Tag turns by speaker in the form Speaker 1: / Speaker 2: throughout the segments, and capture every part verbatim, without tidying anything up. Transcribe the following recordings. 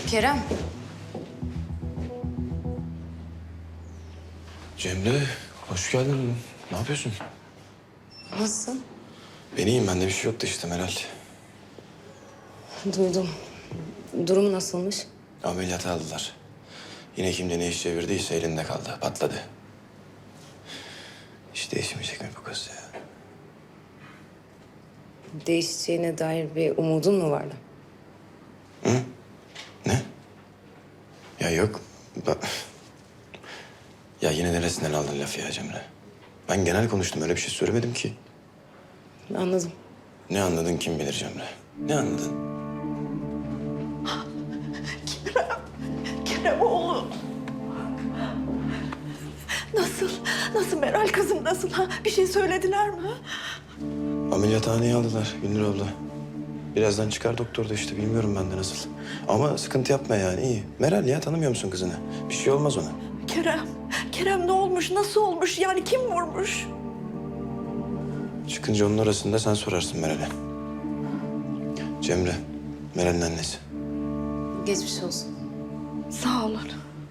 Speaker 1: Kerem.
Speaker 2: Cemre, hoş geldin. Ne yapıyorsun?
Speaker 1: Nasılsın?
Speaker 2: Ben iyiyim, bende bir şey yoktu işte Meral.
Speaker 1: Duydum. Durumu nasılmış?
Speaker 2: Ameliyata aldılar. Yine kimde ne iş çevirdiyse elinde kaldı, patladı. Hiç değişmeyecek mi bu kız ya?
Speaker 1: Değişeceğine dair bir umudun mu vardı?
Speaker 2: Ne? Ya yok. Ba- Ya yine neresinden aldın lafı ya Cemre? Ben genel konuştum, öyle bir şey söylemedim ki.
Speaker 1: Anladım.
Speaker 2: Ne anladın kim bilir Cemre? Ne anladın?
Speaker 3: Kerem oğlum. Nasıl? Nasıl Meral kızım nasıl ha? Bir şey söylediler mi?
Speaker 2: Ameliyathaneye aldılar Gündür abla. Birazdan çıkar doktor da işte, bilmiyorum ben de nasıl. Ama sıkıntı yapma yani, iyi. Meral ya, tanımıyor musun kızını? Bir şey olmaz ona.
Speaker 3: Kerem, Kerem ne olmuş? Nasıl olmuş? Yani kim vurmuş?
Speaker 2: Çıkınca onun arasında sen sorarsın Meral'e. Cemre, Meral'in annesi.
Speaker 1: Geçmiş olsun.
Speaker 3: Sağ olun.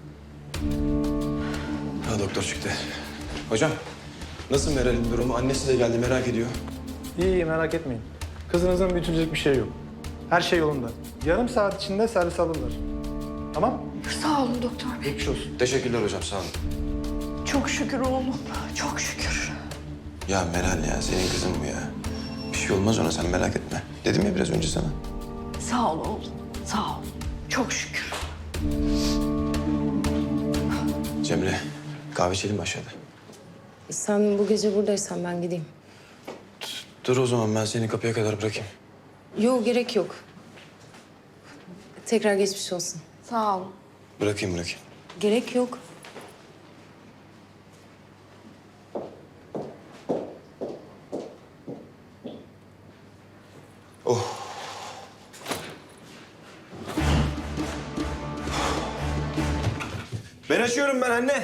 Speaker 2: Ha, doktor çıktı. Hocam, nasıl Meral'in durumu? Annesi de geldi, merak ediyor.
Speaker 4: İyi, iyi merak etmeyin. Kızınızın büyütülecek bir şey yok. Her şey yolunda. Yarım saat içinde servis alırlar. Tamam?
Speaker 3: Sağ olun doktor bey.
Speaker 4: Geçmiş olsun.
Speaker 2: Teşekkürler hocam, sağ olun.
Speaker 3: Çok şükür oğlum. Çok şükür.
Speaker 2: Ya Meral ya, senin kızın bu ya. Bir şey olmaz ona, sen merak etme. Dedim ya biraz önce sana.
Speaker 3: Sağ ol oğlum. Sağ ol. Çok şükür.
Speaker 2: Cemre, kahve içelim mi aşağıda?
Speaker 1: Sen bu gece buradaysan ben gideyim.
Speaker 2: Dur o zaman, ben seni kapıya kadar bırakayım.
Speaker 1: Yok, gerek yok. Tekrar geçmiş olsun.
Speaker 3: Sağ ol.
Speaker 2: Bırakayım, bırakayım.
Speaker 1: Gerek yok.
Speaker 2: Ben açıyorum ben anne.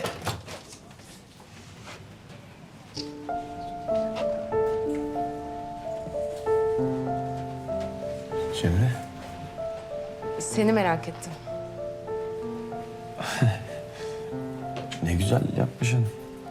Speaker 2: Cemre.
Speaker 1: Seni merak ettim.
Speaker 2: Ne güzel yapmışsın.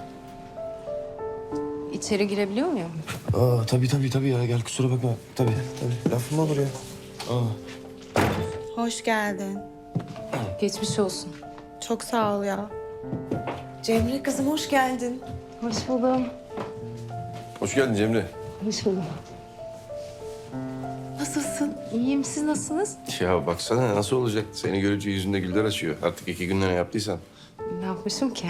Speaker 1: İçeri girebiliyor muyum?
Speaker 2: Aa, tabii tabii tabii ya, gel kusura bakma. Tabii tabii, lafım olur ya. Aa.
Speaker 5: Hoş geldin.
Speaker 1: Geçmiş olsun.
Speaker 5: Çok sağ ol ya. Cemre kızım hoş geldin.
Speaker 1: Hoş buldum.
Speaker 2: Hoş geldin Cemre.
Speaker 1: Hoş buldum.
Speaker 5: Nasılsın?
Speaker 1: İyiyim, siz nasılsınız?
Speaker 6: Ya baksana nasıl olacak? Seni görünce yüzünde güller açıyor. Artık iki günde ne yaptıysan.
Speaker 1: Ne yapmışım ki?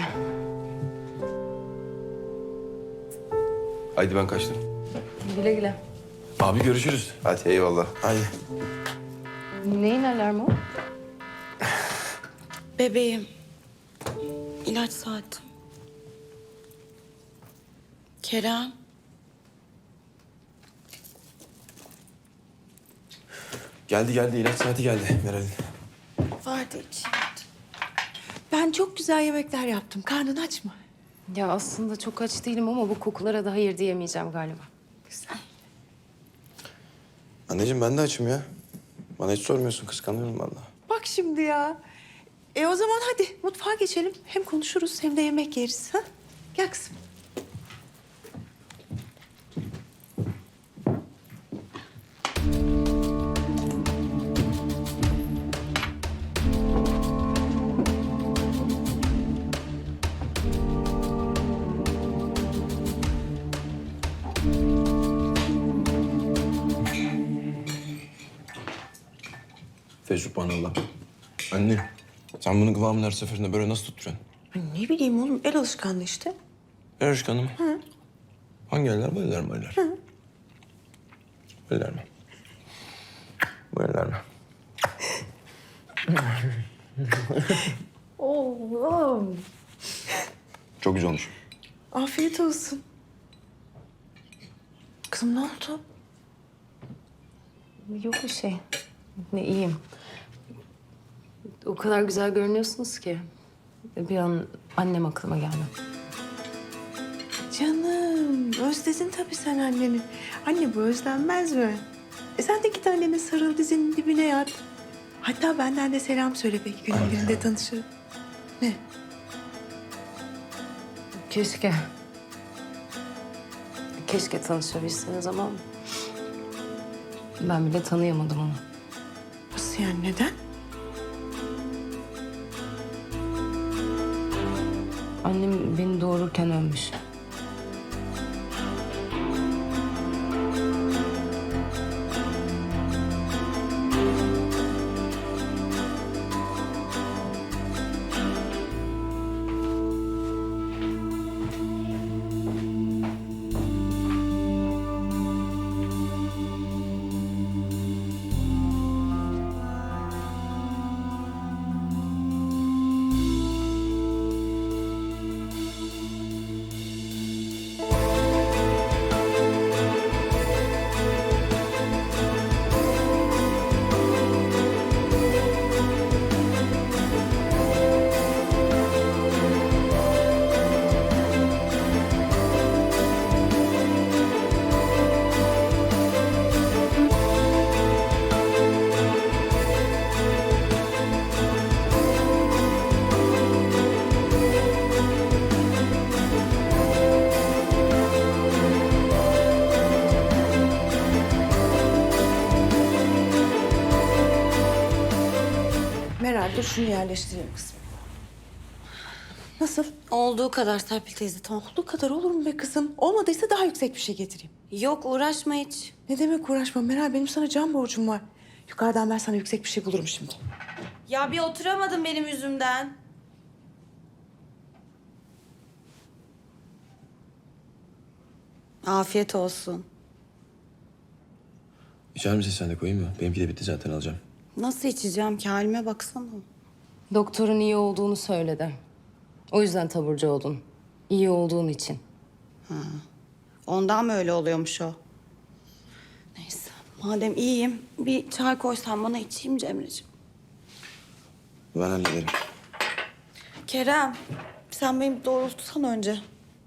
Speaker 6: Haydi ben kaçtım.
Speaker 1: Güle güle.
Speaker 2: Abi görüşürüz.
Speaker 6: Hadi eyvallah.
Speaker 2: Hadi.
Speaker 1: Neyin alarmı o?
Speaker 5: Bebeğim. İlaç saati. Kerem.
Speaker 2: Geldi geldi, ilaç saati geldi Meral'in.
Speaker 5: Vardı içinde. Ben çok güzel yemekler yaptım. Karnın aç mı?
Speaker 1: Ya aslında çok aç değilim ama bu kokulara da hayır diyemeyeceğim galiba.
Speaker 5: Güzel.
Speaker 2: Anneciğim ben de açım ya. Bana hiç sormuyorsun, kıskanıyorum vallahi.
Speaker 5: Bak şimdi ya. E o zaman hadi mutfağa geçelim. Hem konuşuruz hem de yemek yeriz. Ha? Gel kızım.
Speaker 2: Fesubhanallah. Anne, sen bunu kıvamını her seferinde böyle nasıl tutturuyorsun?
Speaker 5: Ay ne bileyim oğlum el alışkanlığı işte.
Speaker 2: Ver aşkım mı? Hı. Hangi eller? Bu eller mi eller? Hı. Bu eller mi? Bu eller mi?
Speaker 5: Oğlum.
Speaker 2: Çok güzel olmuş.
Speaker 5: Afiyet olsun. Kızım ne oldu?
Speaker 1: Yok bir şey. Ne iyiyim. O kadar güzel görünüyorsunuz ki. Bir an annem aklıma geldi.
Speaker 5: Canım özledin tabii sen anneni. Anne bu özlenmez mi? E sen de git annene sarıl dizinin dibine yat. Hatta benden de selam söyle belki günün birinde tanışırım. Ne?
Speaker 1: Keşke. Keşke tanışabilseniz ama... ben bile tanıyamadım onu.
Speaker 5: Nasıl yani, neden?
Speaker 1: Annem beni doğururken ölmüş.
Speaker 5: Meral dur şunu yerleştireyim kızım. Nasıl?
Speaker 7: Olduğu kadar Serpil teyze, tamam.
Speaker 5: Olduğu kadar olur mu be kızım? Olmadıysa daha yüksek bir şey getireyim.
Speaker 7: Yok, uğraşma hiç.
Speaker 5: Ne demek uğraşma Meral, benim sana can borcum var. Yukarıdan ben sana yüksek bir şey bulurum şimdi.
Speaker 7: Ya bir oturamadın benim yüzümden. Afiyet olsun.
Speaker 2: İçer misin sen de, koyayım mı? Benimki de bitti zaten, alacağım.
Speaker 7: Nasıl içeceğim ki? Halime baksana.
Speaker 1: Doktorun iyi olduğunu söyledi. O yüzden taburcu oldun. İyi olduğun için.
Speaker 7: Ondan mı öyle oluyormuş o? Neyse, madem iyiyim bir çay koysan bana, içeyim Cemre'ciğim.
Speaker 2: Ben hallederim.
Speaker 7: Kerem, sen beni doğrultsan önce.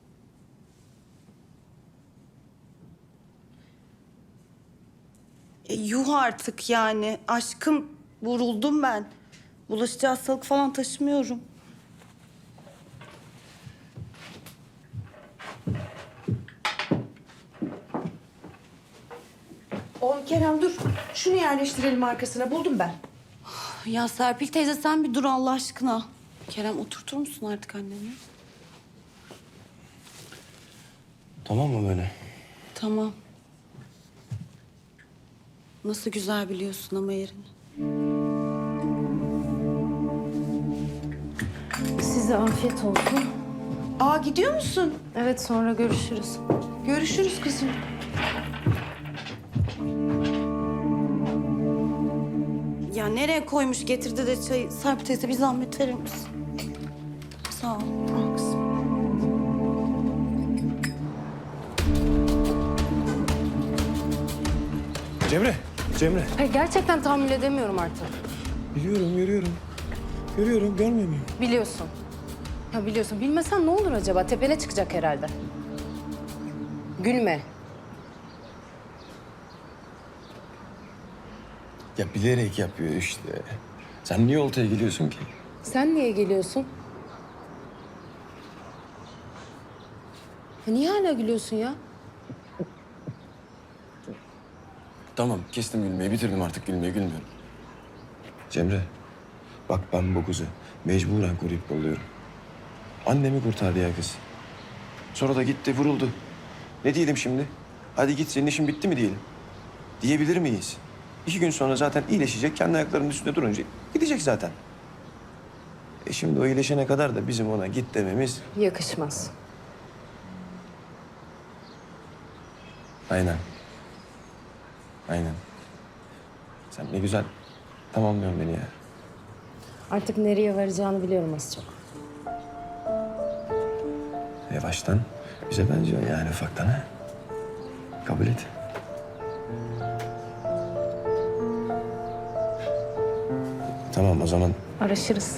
Speaker 7: E, yuh artık yani. Aşkım, vuruldum ben. Bulaşıcı hastalık falan taşımıyorum.
Speaker 5: Oğlum Kerem dur. Şunu yerleştirelim arkasına. Buldum ben.
Speaker 7: Ya Serpil teyze sen bir dur Allah aşkına. Kerem, oturtur musun artık annemi?
Speaker 2: Tamam mı böyle?
Speaker 7: Tamam. Nasıl güzel biliyorsun ama yerini.
Speaker 1: Size afiyet olsun.
Speaker 5: Aa gidiyor musun?
Speaker 1: Evet, sonra görüşürüz.
Speaker 5: Görüşürüz kızım.
Speaker 7: Ya nereye koymuş getirdi de çayı? Serpil teyze bir zahmet verir misin? Sağ ol.
Speaker 5: Al kızım.
Speaker 2: Cemre, Cemre.
Speaker 1: Hayır, gerçekten tahammül edemiyorum artık.
Speaker 2: Biliyorum, görüyorum. Görüyorum, görmüyor muyum?
Speaker 1: Biliyorsun. Ya biliyorsun. Bilmesen ne olur acaba? Tepene çıkacak herhalde. Gülme.
Speaker 2: Ya bilerek yapıyor işte. Sen niye oltaya geliyorsun ki?
Speaker 1: Sen niye geliyorsun? Ya niye hala gülüyorsun ya?
Speaker 2: Tamam, kestim gülmeyi. Bitirdim artık gülmeyi, gülmüyorum. Cemre, bak ben bu kızı mecburen koruyup kolluyorum. Annemi kurtardı ya kız. Sonra da gitti, vuruldu. Ne diyelim şimdi? Hadi git, senin işin bitti mi diyelim? Diyebilir miyiz? İki gün sonra zaten iyileşecek, kendi ayaklarının üstünde durunca gidecek zaten. E şimdi o iyileşene kadar da bizim ona git dememiz...
Speaker 1: Yakışmaz.
Speaker 2: Aynen. Aynen. Sen ne güzel tamamlıyorsun beni ya.
Speaker 1: Artık nereye varacağını biliyorum az çok.
Speaker 2: Yavaştan bize benziyor yani, ufaktan ha. Kabul et. Tamam o zaman.
Speaker 1: Araşırız.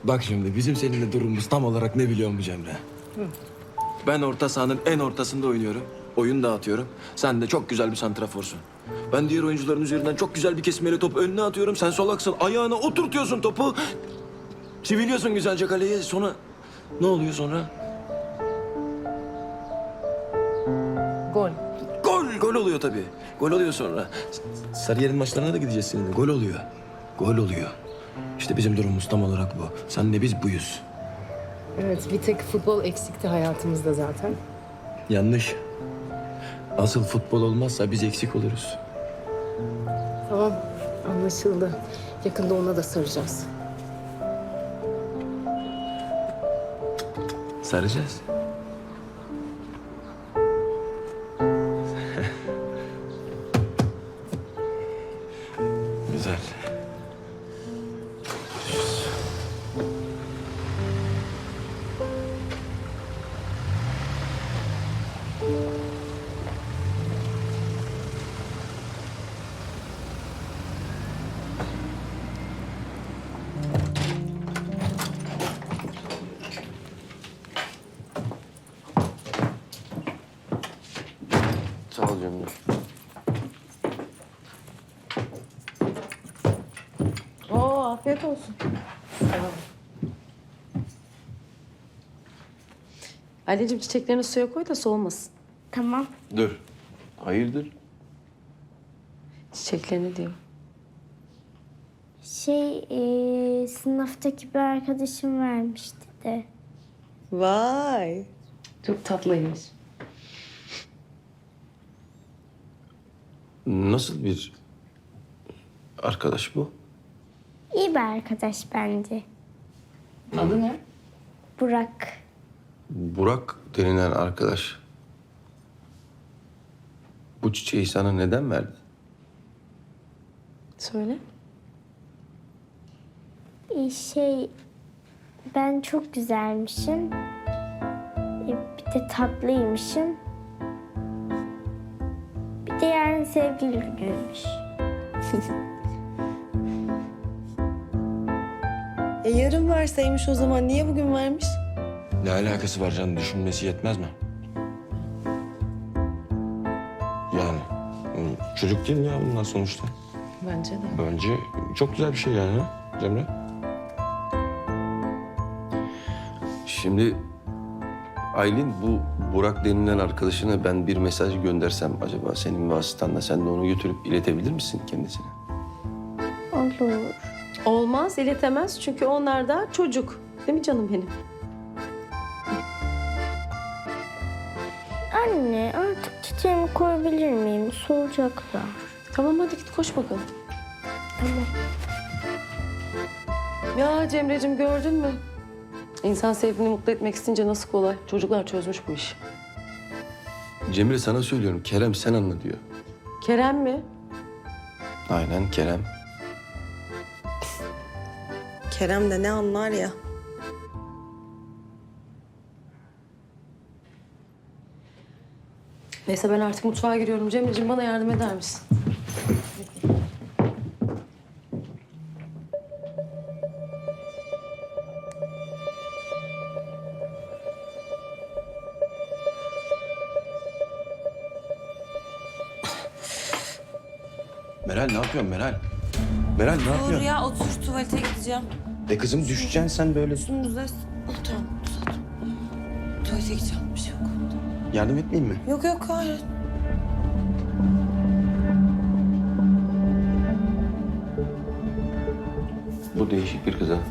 Speaker 2: Bak şimdi bizim seninle durumumuz tam olarak ne biliyor musun Cemre? Ben orta sahanın en ortasında oynuyorum. Oyun dağıtıyorum. Sen de çok güzel bir santraforsun. Ben diğer oyuncuların üzerinden çok güzel bir kesmeyle topu önüne atıyorum. Sen solaksın. Ayağına oturtuyorsun topu. Çiviliyorsun güzelce kaleye. Sonra ne oluyor sonra?
Speaker 1: Gol.
Speaker 2: Gol, gol oluyor tabii. Gol oluyor sonra. Sarıyer'in maçlarına da gideceğiz seninle. Gol oluyor. Gol oluyor. İşte bizim durumumuz tam olarak bu. Sen de biz buyuz.
Speaker 1: Evet, bir tek futbol eksikti hayatımızda zaten.
Speaker 2: Yanlış. Asıl futbol olmazsa biz eksik oluruz.
Speaker 1: Tamam, anlaşıldı. Yakında ona da saracağız.
Speaker 2: Saracağız. Güzel.
Speaker 6: Sağ ol Cemre.
Speaker 1: Oo, afiyet olsun. Anneciğim çiçeklerini suya koy da soğumasın.
Speaker 8: Tamam.
Speaker 6: Dur. Hayırdır?
Speaker 1: Çiçeklerini diyor.
Speaker 8: Şey, e, sınıftaki bir arkadaşım vermişti de.
Speaker 5: Vay.
Speaker 1: Çok tatlıymış.
Speaker 6: Nasıl bir arkadaş bu?
Speaker 8: İyi bir arkadaş bence.
Speaker 1: Adı ne?
Speaker 8: Burak.
Speaker 6: Burak denilen arkadaş. Bu çiçeği sana neden verdi?
Speaker 1: Söyle.
Speaker 8: E, şey, ben çok güzelmişim. E, bir de tatlıymışım. Bir de yarın sevgili günüymüş.
Speaker 5: E yarın verseymiş o zaman niye bugün vermiş?
Speaker 2: Ne alakası var canım? Düşünmesi yetmez mi? Yani hmm, çocuk değil mi ya bunlar sonuçta?
Speaker 1: Bence de.
Speaker 2: Bence çok güzel bir şey yani ha Cemre?
Speaker 6: Şimdi Aylin, bu Burak denilen arkadaşına ben bir mesaj göndersem acaba senin vasıtanla sen de onu götürüp iletebilir misin kendisine?
Speaker 8: Olur.
Speaker 1: Olmaz, iletemez çünkü onlar da çocuk. Değil mi canım benim?
Speaker 8: Anne, artık çiçeğimi koyabilir miyim? Solacaklar.
Speaker 1: Tamam hadi git koş bakalım.
Speaker 8: Tamam.
Speaker 1: Ya Cemre'cim gördün mü? İnsan sevdiğini mutlu etmek isteyince nasıl kolay. Çocuklar çözmüş bu işi.
Speaker 6: Cemre sana söylüyorum, Kerem sen anla diyor.
Speaker 1: Kerem mi?
Speaker 6: Aynen Kerem.
Speaker 5: Kerem de ne anlar ya.
Speaker 1: Neyse ben artık mutfağa giriyorum. Cemre'cim bana yardım eder misin?
Speaker 2: Meral ne yapıyorsun Meral? Meral ne yapıyorsun?
Speaker 7: Dur ya, otur, tuvalete gideceğim.
Speaker 2: E kızım düşeceksin sen böyle.
Speaker 7: Üstümüzde... Oh, tamam, uzat. Tuvalete gideceğim, bir şey yok.
Speaker 2: Yardım etmeyeyim mi?
Speaker 7: Yok yok, hayır.
Speaker 6: Bu değişik bir kız ha.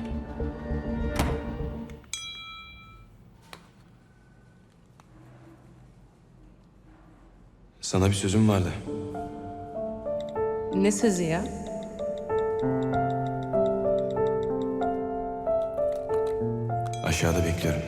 Speaker 2: Sana bir sözüm vardı.
Speaker 5: Ne sözü ya?
Speaker 2: Aşağıda bekliyorum.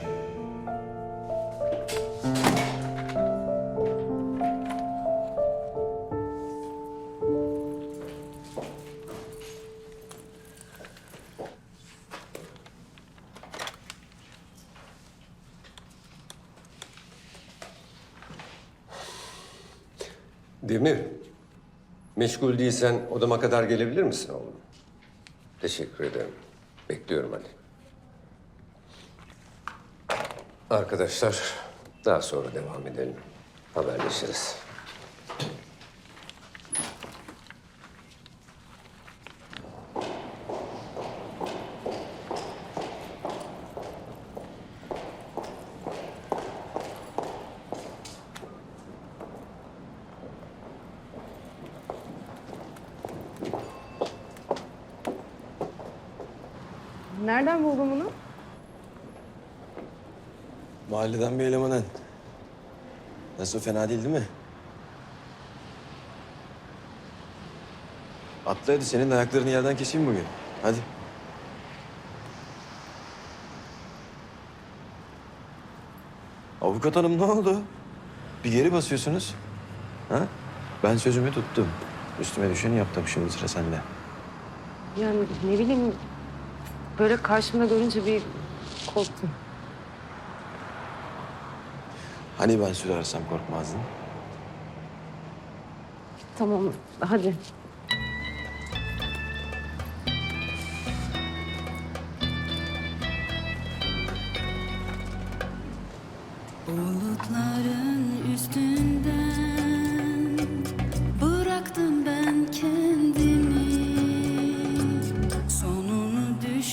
Speaker 9: Demir, meşgul değilsen odama kadar gelebilir misin oğlum? Teşekkür ederim. Bekliyorum hadi. Arkadaşlar, daha sonra devam edelim. Haberleşiriz.
Speaker 1: Nereden buldun bunu?
Speaker 2: Mahalleden bir elemanın. Nasıl, fena değil değil mi? Atla hadi, senin de ayaklarını yerden keseyim bugün. Hadi. Avukat hanım, ne oldu? Bir geri basıyorsunuz. Ha? Ben sözümü tuttum. Üstüme düşeni yaptım, şimdi sıra sende.
Speaker 1: Yani ne bileyim, böyle karşımda görünce bir korktum.
Speaker 2: Hani ben sürersem korkmazdın?
Speaker 1: Tamam, hadi.
Speaker 10: Bulutların üstünden bıraktım ben kendimi, sonunu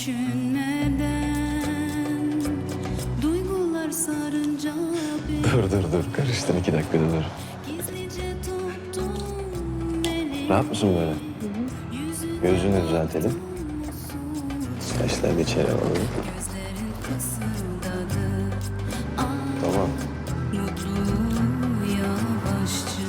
Speaker 10: düşünmeden duygular sarınca beni
Speaker 2: Dur dur dur, karıştın, iki dakika dur.
Speaker 10: gizlice tuttum elimi.
Speaker 2: Rahat mısın böyle? Gözünü düzeltelim. Saçlarını içeri alalım.
Speaker 10: Gözlerin fısıldadı, ah,
Speaker 2: Tamam.
Speaker 10: mutlu yavaşça.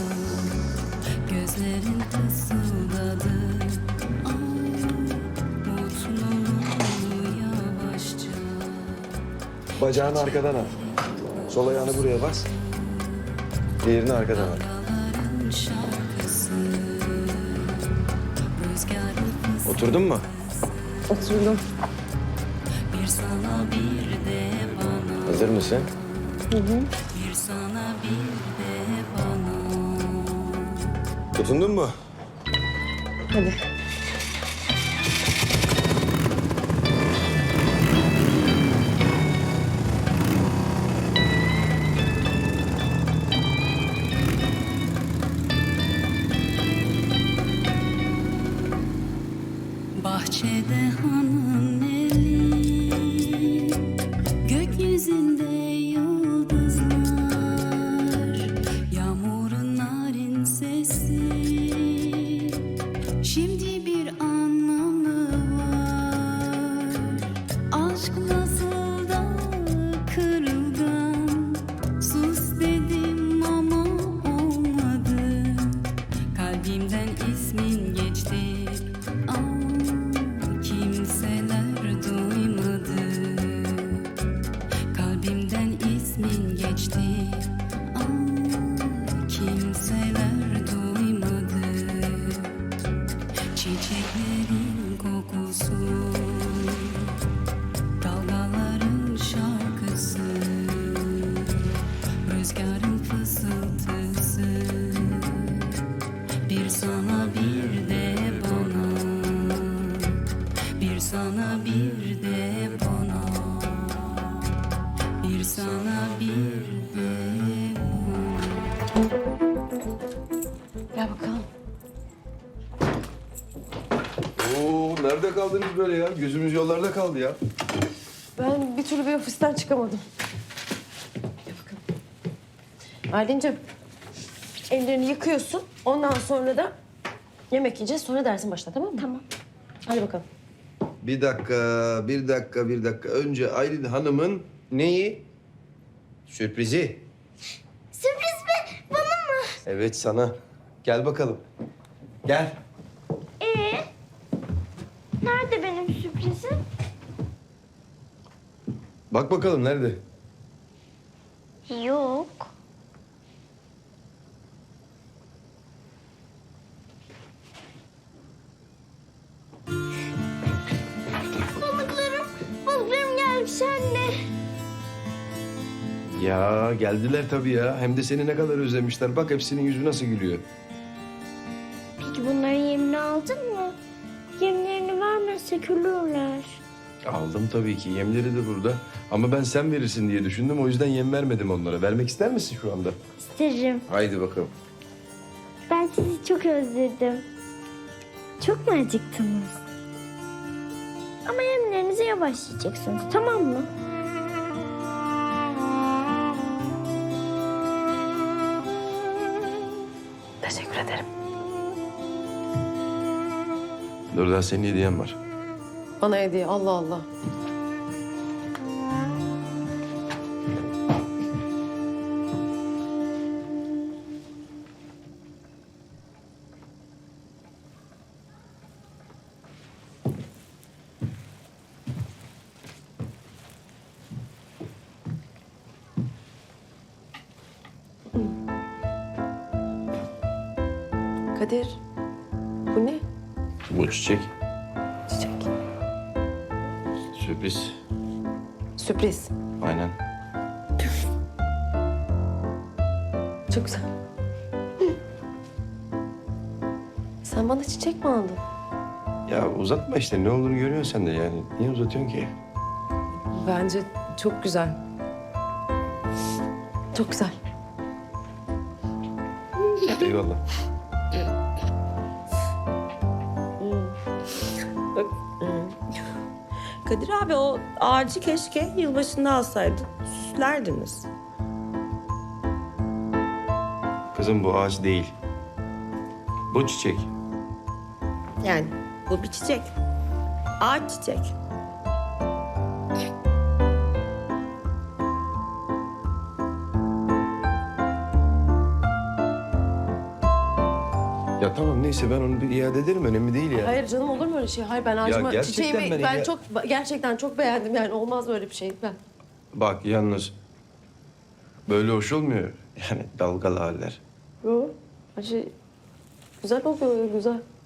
Speaker 10: Gözlerin fısıldadı, ah, mutlu yavaşça.
Speaker 2: Bacağını arkadan al. Sol ayağını buraya bas. Diğerini arkadan al.
Speaker 10: Dağların şarkısı, rüzgarın fısıldadı.
Speaker 2: Oturdun mu?
Speaker 1: Oturdum.
Speaker 10: Bir sana bir de bana,
Speaker 2: Hazır mısın?
Speaker 10: bir sana bir de bana.
Speaker 2: Tutundun mu?
Speaker 1: Hadi.
Speaker 10: Bahçede hanın eli, gökyüzünde yıldızlar, yağmurun narin sesi, şimdi bir anlamı var. Aşk nasıl da kırılgan, sus dedim ama olmadı. Kalbimden ismin geçti, ah, kimseler duymadı. Kalbimden ismin geçti, ah, kimseler duymadı. Çiçeklerin kokusu, dalgaların şarkısı, rüzgarın fısıltısı. Bir sana bir de bana, bir sana bir de bana, bir sana bir de bana.
Speaker 1: Gel bakalım.
Speaker 6: Oo, nerede kaldınız böyle ya? Gözümüz yollarda kaldı ya.
Speaker 1: Ben bir türlü bir ofisten çıkamadım. Gel bakalım. Aylin'cim, ellerini yıkıyorsun. Ondan sonra da yemek yiyeceğiz. Sonra dersin başla, tamam mı?
Speaker 8: Tamam.
Speaker 1: Hadi bakalım.
Speaker 6: Bir dakika, bir dakika, bir dakika. Önce Aylin Hanım'ın neyi? Sürprizi.
Speaker 8: Sürpriz mi? Bana mı?
Speaker 6: Evet, sana. Gel bakalım. Gel.
Speaker 8: Ee? Nerede benim sürprizim?
Speaker 6: Bak bakalım nerede?
Speaker 8: Yok. Balıklarım, balıklarım gelmiş anne.
Speaker 6: Ya geldiler tabii ya. Hem de seni ne kadar özlemişler. Bak hepsinin yüzü nasıl gülüyor.
Speaker 8: Peki bunların yemini aldın mı? Yemlerini vermezsek ölürler.
Speaker 6: Aldım tabii ki. Yemleri de burada. Ama ben sen verirsin diye düşündüm. O yüzden yem vermedim onlara. Vermek ister misin şu anda?
Speaker 8: İsterim.
Speaker 6: Haydi bakalım.
Speaker 8: Ben sizi çok özledim. Çok mu acıktınız? Ama yemlerinize yavaş yiyeceksiniz, tamam mı?
Speaker 1: Teşekkür ederim.
Speaker 6: Dur daha senin hediyen var.
Speaker 1: Bana hediye, Allah Allah. Kadir, bu ne?
Speaker 6: Bu çiçek.
Speaker 1: Çiçek.
Speaker 6: Sürpriz.
Speaker 1: Sürpriz.
Speaker 6: Aynen.
Speaker 1: Çok güzel. Sen bana çiçek mi aldın?
Speaker 6: Ya uzatma işte. Ne olduğunu görüyorsun sen de yani. Niye uzatıyorsun ki?
Speaker 1: Bence çok güzel. Çok güzel.
Speaker 6: Eyvallah.
Speaker 7: Kadir abi o ağacı keşke yılbaşında alsaydın. Süslerdiniz.
Speaker 6: Kızım bu ağaç değil. Bu çiçek.
Speaker 7: Yani bu bir çiçek. Ağaç çiçek.
Speaker 6: Ya tamam neyse ben onu bir iade ederim. Önemli değil ya.
Speaker 1: Hayır canım, olur mu öyle şey? Hayır, ben ağacıma
Speaker 6: gerçekten
Speaker 1: çiçeğimi
Speaker 6: ben
Speaker 1: ben,
Speaker 6: ya-
Speaker 1: çok gerçekten çok beğendim, yani olmaz böyle bir şey. Ben
Speaker 6: Bak yalnız böyle hoş olmuyor. Yani dalgalı haller.
Speaker 1: Yo, her şey güzel oluyor, güzel.